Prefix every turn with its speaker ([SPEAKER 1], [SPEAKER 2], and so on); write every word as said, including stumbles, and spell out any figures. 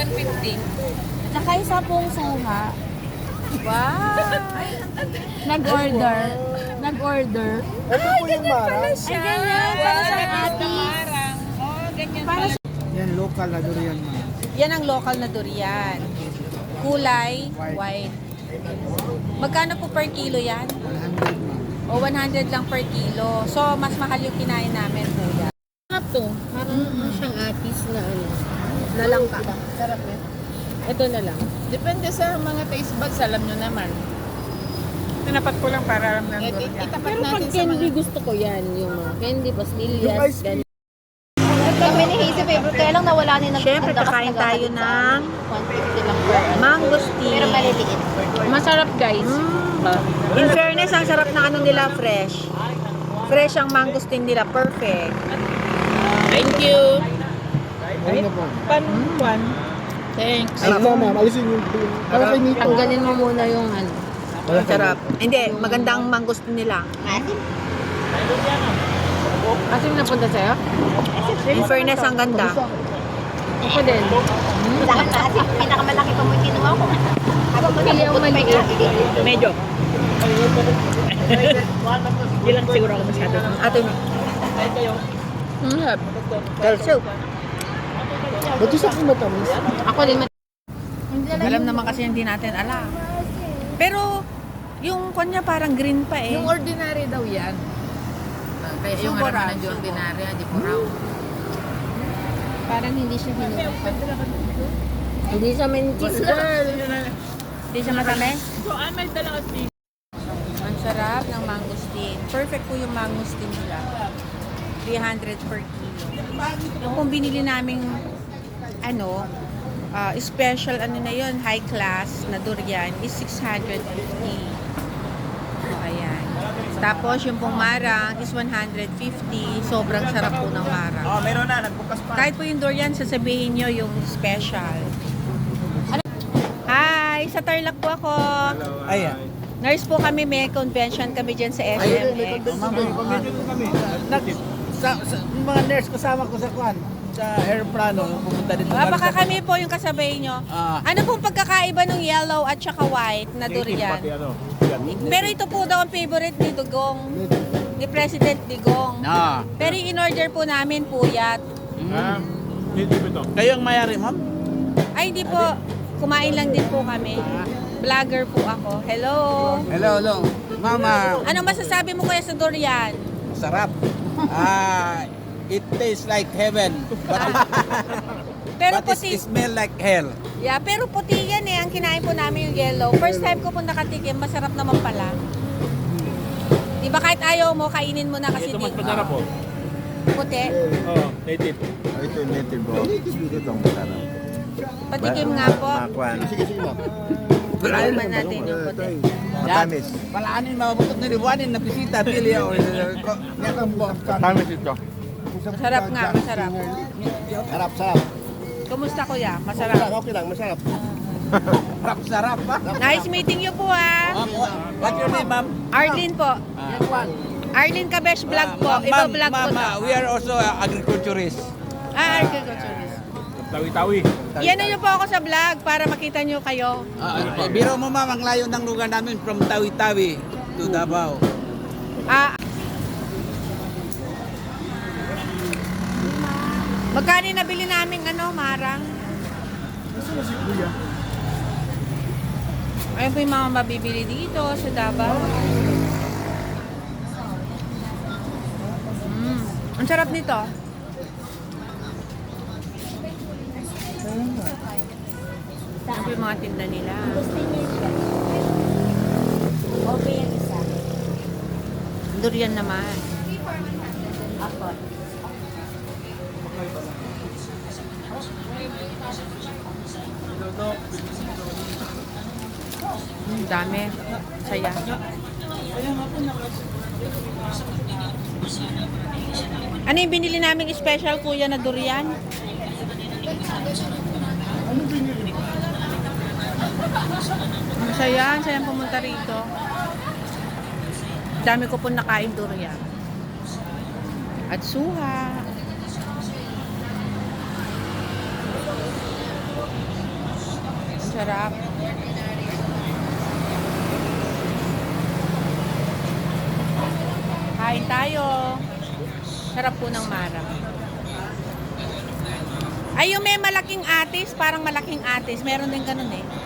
[SPEAKER 1] one fifty.
[SPEAKER 2] Tsaka isa pong suha.
[SPEAKER 1] Wow!
[SPEAKER 2] Nag-order. Nag-order.
[SPEAKER 3] Ito po yung marang.
[SPEAKER 2] Ay, ganyan. Para sa atis.
[SPEAKER 1] Marang. Oh, ganyan
[SPEAKER 2] Para
[SPEAKER 1] pala.
[SPEAKER 2] sa...
[SPEAKER 3] Yan, local na durian mo.
[SPEAKER 1] Yan ang local na durian. Kulay, white. Magkano po per kilo yan?
[SPEAKER 3] one hundred ma'am.
[SPEAKER 1] O one hundred lang per kilo. So, mas mahal yung kinain namin, kuya.
[SPEAKER 2] Sarap to. Parang siyang atis na ano.
[SPEAKER 1] Nalangka.
[SPEAKER 2] Sarap eh. Ito na lang.
[SPEAKER 4] Depende sa mga taste buds, alam nyo naman.
[SPEAKER 1] Tinapat ko lang para alam ng
[SPEAKER 4] Et, et,
[SPEAKER 1] durian.
[SPEAKER 4] itapat
[SPEAKER 2] Pero pag
[SPEAKER 4] natin sa
[SPEAKER 2] candy
[SPEAKER 4] mga...
[SPEAKER 2] gusto ko yan. Yung mga candy,
[SPEAKER 3] Yung
[SPEAKER 2] pastillas,
[SPEAKER 3] ice cream.
[SPEAKER 2] ganyan.
[SPEAKER 5] Kami ni Hazy favorite, kaya lang nawala ni nag
[SPEAKER 1] Siyempre,
[SPEAKER 5] naglakas
[SPEAKER 1] kakain
[SPEAKER 5] nag-
[SPEAKER 1] tayo
[SPEAKER 5] sa
[SPEAKER 1] ng
[SPEAKER 5] one fifty lang per ano.
[SPEAKER 1] mangosteen.
[SPEAKER 5] Pero maliliit.
[SPEAKER 2] Masarap guys.
[SPEAKER 1] In fairness, ang sarap ng ano nila, fresh. Fresh ang mangosteen nila, perfect.
[SPEAKER 2] Thank you.
[SPEAKER 3] Ano na po?
[SPEAKER 4] Pan-pan.
[SPEAKER 2] Thanks.
[SPEAKER 3] Ay, ito ma'am, alisin yung... Para kay Nito.
[SPEAKER 2] Tanggalin mo muna yung ano.
[SPEAKER 1] Ang sarap. Hindi, magandang mangosteen nila.
[SPEAKER 5] Asin.
[SPEAKER 2] Kasi napunta sa'yo?
[SPEAKER 1] In fairness, ang ganda.
[SPEAKER 2] Ako din.
[SPEAKER 5] Sa akin na asin. Pinakamalaki pa mo yung kinuha ko. Ako mo
[SPEAKER 2] Pili ang maliit.
[SPEAKER 1] Medyo.
[SPEAKER 4] Hindi lang siguro ako masyado.
[SPEAKER 1] Ate,
[SPEAKER 2] Mm,
[SPEAKER 1] calcio.
[SPEAKER 3] Ba't yung sa akin matamis?
[SPEAKER 2] ako din.
[SPEAKER 1] Alam naman kasi hindi natin alam. Pero, yung kanya parang green pa eh.
[SPEAKER 4] Yung ordinary daw yan. Ah, Kaya yung
[SPEAKER 1] Subo
[SPEAKER 4] harap
[SPEAKER 1] raw,
[SPEAKER 4] ng
[SPEAKER 1] subo.
[SPEAKER 4] ordinary, hindi po raw.
[SPEAKER 2] Parang hindi siya hinuha. Hindi siya mentis girl.
[SPEAKER 1] Hindi siya matamis? Ang sarap ng mangosteen. Perfect po yung mangosteen nila. three hundred per kilo. Yung kung binili naming ano, ah, special ano na yun, high class na durian is six hundred fifty. So, ayan. Tapos yung pong marang is one hundred fifty. Sobrang sarap po ng marang.
[SPEAKER 6] Oh, meron na, nagbukas pa.
[SPEAKER 1] Kahit po yung durian, sasabihin nyo yung special. Ano? Hi! Sa Tarlac po ako.
[SPEAKER 6] Ayan.
[SPEAKER 1] Nurse po kami, may convention kami dyan sa S M X.
[SPEAKER 6] kami. Nag, sa, sa, yung mga nurse kasama ko sa kwan, sa aeroplano, pumunta dito.
[SPEAKER 1] Ah, baka kami po yung kasabay nyo.
[SPEAKER 6] Ah.
[SPEAKER 1] Ano pong pagkakaiba ng yellow at saka white na durian?
[SPEAKER 6] ano.
[SPEAKER 1] Pero ito po daw ang favorite ni Dugong, ni President Digong.
[SPEAKER 6] Ah.
[SPEAKER 1] Pero yung in-order po namin puyat.
[SPEAKER 6] Kayo ang mayari, ma'am?
[SPEAKER 1] Ay, hindi po. Kumain lang din po kami. Vlogger po ako. Hello!
[SPEAKER 6] Hello, hello. Mama,
[SPEAKER 1] Anong masasabi mo kaya sa durian?
[SPEAKER 6] sarap. Ah, it tastes like heaven, but,
[SPEAKER 1] Pero
[SPEAKER 6] but
[SPEAKER 1] puti,
[SPEAKER 6] it smell like hell.
[SPEAKER 1] yeah, pero puti yan eh. Ang kinain po namin yung yellow. First time ko po nakatikim, masarap naman pala. Di ba kahit ayaw mo, kainin mo na kasi di,
[SPEAKER 6] po.
[SPEAKER 1] puti.
[SPEAKER 6] Oh, native.
[SPEAKER 7] Ito native bro. Ito ang masarap.
[SPEAKER 1] Patikim nga po.
[SPEAKER 7] Makwan.
[SPEAKER 1] Tikman natin yung puti.
[SPEAKER 7] Matamis.
[SPEAKER 6] Palaanin, mabutot na liwanin na bisita, pili ako.
[SPEAKER 7] Matamis ito.
[SPEAKER 1] Masarap nga, masarap.
[SPEAKER 7] Sarap, sarap.
[SPEAKER 1] Kumusta kuya? Masarap.
[SPEAKER 7] Okay lang, masarap.
[SPEAKER 6] Sarap, sarap pa.
[SPEAKER 1] Nice meeting you po ah.
[SPEAKER 6] Ma'am, what- what's your name, ma'am?
[SPEAKER 1] Arlene po. Arlene Kabesh vlog po.
[SPEAKER 6] Ah,
[SPEAKER 1] Iba
[SPEAKER 6] ma'am,
[SPEAKER 1] vlog po
[SPEAKER 6] ma'am,
[SPEAKER 1] to.
[SPEAKER 6] ah, we are also uh, agriculturists.
[SPEAKER 1] Ah, agriculturist.
[SPEAKER 6] Tawi-tawi.
[SPEAKER 1] Yan niyo po ako sa vlog para makita niyo kayo.
[SPEAKER 6] Ah, ah, biro mo ma'am, ang layo ng lugar namin from Tawi-Tawi to Davao.
[SPEAKER 1] Ah. Magkano yung nabili namin ano, marang? Ayun po yung mga mabibili dito sa Davao. Mm. Ang sarap nito. Ano po yung mga tinda nila?
[SPEAKER 5] Okay yung isa.
[SPEAKER 1] Durian naman.
[SPEAKER 5] Ako.
[SPEAKER 1] Ang dami. Saya. Ano yung binili naming special kuya na durian? Ang saya, ang sayang pumunta rito. Dami ko po nakain durian. At suha. Sarap. Kain tayo. Sarap po ng Mara. Ay, yung may malaking atis, parang malaking atis. Meron din ganun eh.